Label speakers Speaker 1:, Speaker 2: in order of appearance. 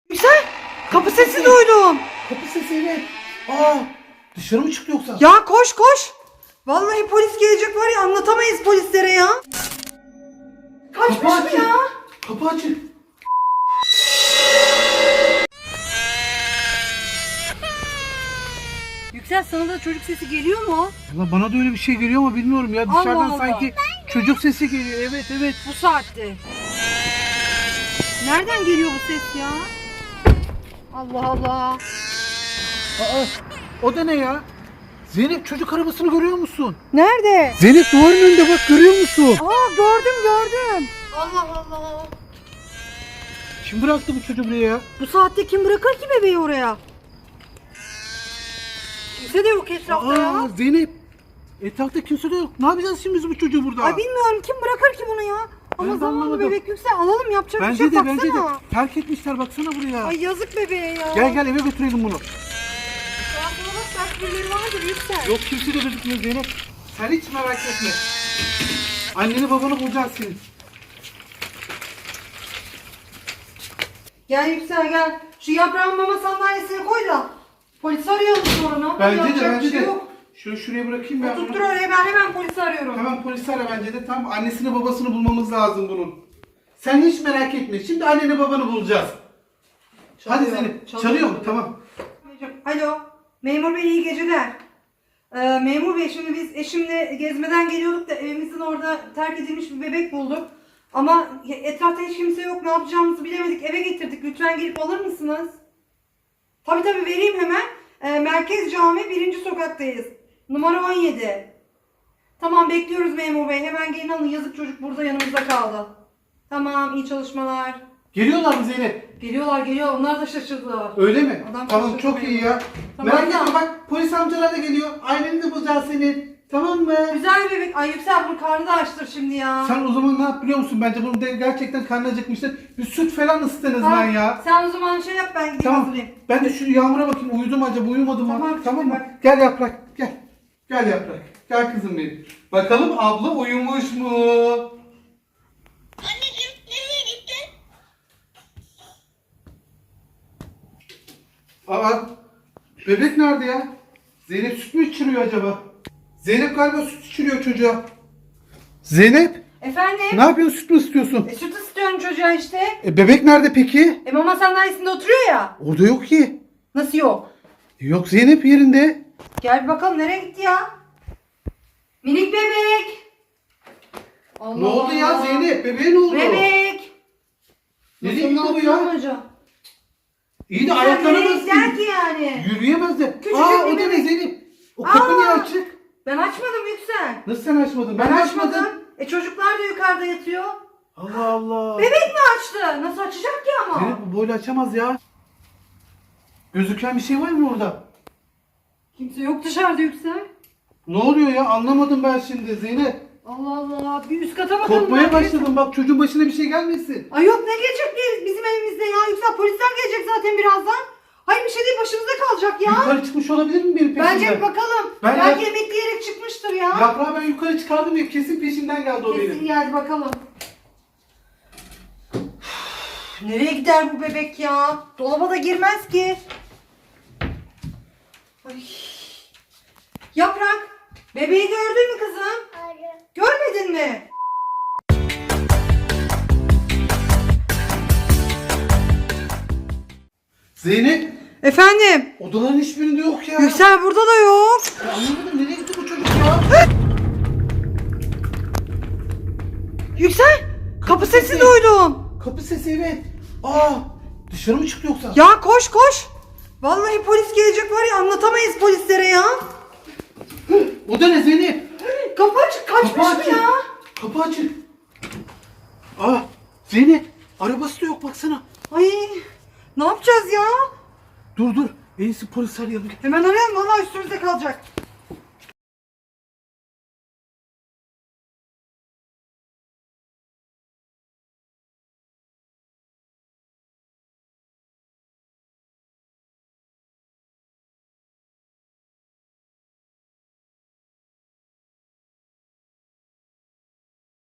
Speaker 1: Yüksel, kapı sesi duydum.
Speaker 2: Kapı sesi, evet. Aa, dışarı mı çıktı yoksa?
Speaker 1: Ya koş koş. Vallahi polis gelecek var ya, anlatamayız polislere ya. Kaçmış mı
Speaker 2: açık.
Speaker 1: ya?
Speaker 2: Kapı açık.
Speaker 1: Yüksel, sana da çocuk sesi geliyor mu?
Speaker 2: Valla bana da öyle bir şey geliyor ama bilmiyorum ya. Dışarıdan
Speaker 1: Allah.
Speaker 2: sanki çocuk sesi geliyor. Evet evet.
Speaker 1: Bu saatte. Nereden geliyor bu ses ya? Allah Allah.
Speaker 2: Aa, o da ne ya? Zeynep, çocuk arabasını görüyor musun?
Speaker 1: Nerede?
Speaker 2: Zeynep, duvarın önünde bak, görüyor musun?
Speaker 1: Aa, gördüm. Allah Allah.
Speaker 2: Kim bıraktı bu çocuğu buraya ya?
Speaker 1: Bu saatte kim bırakır ki bebeği oraya? Kimse de yok etrafta ya.
Speaker 2: Zeynep, etrafta kimse de yok. Ne yapacağız şimdi biz bu çocuğu burada?
Speaker 1: Ay bilmiyorum, kim bırakır ki bunu ya? Ama
Speaker 2: Ben de
Speaker 1: zavallı
Speaker 2: anlamadım.
Speaker 1: bebek. Yüksel, alalım, yapacak bir şey
Speaker 2: Bence
Speaker 1: yok,
Speaker 2: de
Speaker 1: baksana.
Speaker 2: terk etmişler, baksana buraya.
Speaker 1: Ay yazık bebeğe ya.
Speaker 2: Gel eve götürelim bunu.
Speaker 1: Ya buna bak, belki birileri vardır Yüksel.
Speaker 2: Yok, kimse de gözükmüyor Zeynep. Sen hiç merak etme. Anneni babanı bulacağız senin.
Speaker 1: Gel Yüksel gel. Şu yaprağın mama sandalyesine koy da polisi arayalım sonra.
Speaker 2: Bence
Speaker 1: Yapacak bir
Speaker 2: de.
Speaker 1: şey yok.
Speaker 2: Şuraya bırakayım ben.
Speaker 1: Oturttur oraya, ben hemen polisi arıyorum.
Speaker 2: Hemen polisi ara bence de. Tam annesini babasını bulmamız lazım bunun. Sen hiç merak etme. Şimdi anneni babanı bulacağız. Hadi Zeynep. Çalıyor mu? Tamam.
Speaker 1: Alo. Memur bey, iyi geceler. Memur bey, şimdi biz eşimle gezmeden geliyorduk da evimizin orada terk edilmiş bir bebek bulduk. Ama etrafta hiç kimse yok. Ne yapacağımızı bilemedik. Eve getirdik. Lütfen gelip alır mısınız? Tabii vereyim hemen. Merkez Cami 1. sokaktayız. Numara 17. Tamam, bekliyoruz memur bey. Hemen gelin alın. Yazık, çocuk burada yanımızda kaldı. Tamam, iyi çalışmalar.
Speaker 2: Geliyorlar mı Zeynep?
Speaker 1: Geliyor. Onlar da şaşırdılar.
Speaker 2: Öyle mi?
Speaker 1: Adam
Speaker 2: Tamam,
Speaker 1: şaşırdı
Speaker 2: çok
Speaker 1: beni.
Speaker 2: iyi ya.
Speaker 1: Tamam,
Speaker 2: Merak
Speaker 1: tamam.
Speaker 2: etme, bak polis amcalar da geliyor. Aileni de bulacağız senin. Tamam mı?
Speaker 1: Güzel bir bebek. Ay Yüksel, bunun karnı da açtır şimdi ya.
Speaker 2: Sen o zaman ne yap biliyor musun? Bence bunu gerçekten karnı acıkmıştır. Bir süt falan ısıtın ben ya.
Speaker 1: Sen o zaman şey yap, ben gideyim
Speaker 2: Tamam.
Speaker 1: hazırlayayım.
Speaker 2: Ben de şu Yağmur'a bakayım. Uyudu mu acaba? Uyumadı mı?
Speaker 1: Tamam,
Speaker 2: mı?
Speaker 1: bak.
Speaker 2: Gel Yaprak. Gel. Gel Yaprak. Gel kızım benim. Bakalım abla uyumuş mu?
Speaker 3: Anneciğim, nereye gittin?
Speaker 2: Aa, bebek nerede ya? Zeynep süt mü içiriyor acaba? Zeynep galiba süt içiriyor çocuğa. Zeynep,
Speaker 1: Efendim?
Speaker 2: ne yapıyorsun? Süt mü istiyorsun?
Speaker 1: Süt istiyorum çocuğa işte.
Speaker 2: Bebek nerede peki?
Speaker 1: Mama sandalyesinde oturuyor ya.
Speaker 2: Orada yok ki.
Speaker 1: Nasıl yok?
Speaker 2: Yok, Zeynep yerinde.
Speaker 1: Gel bir bakalım, nereye gitti ya? Minik bebek. Allah
Speaker 2: Ne oldu ya
Speaker 1: Allah.
Speaker 2: Zeynep? Bebeğe ne oldu?
Speaker 1: Bebek.
Speaker 2: Nereye gitti bu ya?
Speaker 1: Hocam?
Speaker 2: İyi de
Speaker 1: Sen
Speaker 2: ayaklarına
Speaker 1: nereye
Speaker 2: nasıl?
Speaker 1: gider ki yani?
Speaker 2: Yürüyemez de.
Speaker 1: Küçücük
Speaker 2: Aa,
Speaker 1: bir
Speaker 2: o da ne
Speaker 1: bebek.
Speaker 2: Zeynep? O kapı niye
Speaker 1: Aa.
Speaker 2: açık?
Speaker 1: Ben açmadım Yüksel.
Speaker 2: Nasıl sen açmadın?
Speaker 1: Ben
Speaker 2: de
Speaker 1: açmadım. Çocuklar da yukarıda yatıyor.
Speaker 2: Allah Allah.
Speaker 1: Bebek mi açtı? Nasıl açacak ki ama?
Speaker 2: Zeynep bu böyle açamaz ya. Gözüken bir şey var mı orada?
Speaker 1: Kimse yok dışarıda Yüksel.
Speaker 2: Ne oluyor ya? Anlamadım ben şimdi Zeynep.
Speaker 1: Allah Allah. Bir üst kata bakalım.
Speaker 2: Korkmaya
Speaker 1: belki.
Speaker 2: başladım, bak çocuğun başına bir şey gelmesin.
Speaker 1: Ay yok, ne gelecek bizim evimizde ya Yüksel? Polisler gelecek zaten birazdan. Hayır, bir şey değil, başımıza kalacak ya.
Speaker 2: Yukarı çıkmış olabilir mi benim peşimden?
Speaker 1: Bence bir bakalım.
Speaker 2: Ben
Speaker 1: Belki
Speaker 2: de-
Speaker 1: emekleyerek çıkmıştır ya.
Speaker 2: Yaprağı ben yukarı çıkardım ya, kesin peşinden geldi o
Speaker 1: Kesin
Speaker 2: benim.
Speaker 1: geldi, bakalım. Nereye gider bu bebek ya? Dolaba da girmez ki. Ay. Yaprak, bebeği gördün mü kızım?
Speaker 3: Hayır.
Speaker 1: Görmedin mi?
Speaker 2: Zeynep,
Speaker 1: Efendim?
Speaker 2: odaların hiçbirinde yok ya.
Speaker 1: Yüksel burada da yok.
Speaker 2: Ya anlamadım, nereye gitti bu çocuk ya?
Speaker 1: Yüksel, kapı sesi duydum.
Speaker 2: Kapı sesi, evet. Aa, dışarı mı çıktı yoksa?
Speaker 1: Ya koş koş. Vallahi polis gelecek var ya, anlatamayız polislere ya.
Speaker 2: O da ne Zeynep?
Speaker 1: Kapı açık, kaçmış
Speaker 2: Kapı
Speaker 1: mı
Speaker 2: açık.
Speaker 1: ya?
Speaker 2: Kapı açık. Aa, Zeynep, arabası da yok baksana.
Speaker 1: Ay, ne yapacağız ya?
Speaker 2: Dur. En iyisi polis arayalım.
Speaker 1: Hemen arayalım, vallahi üstümüzde kalacak.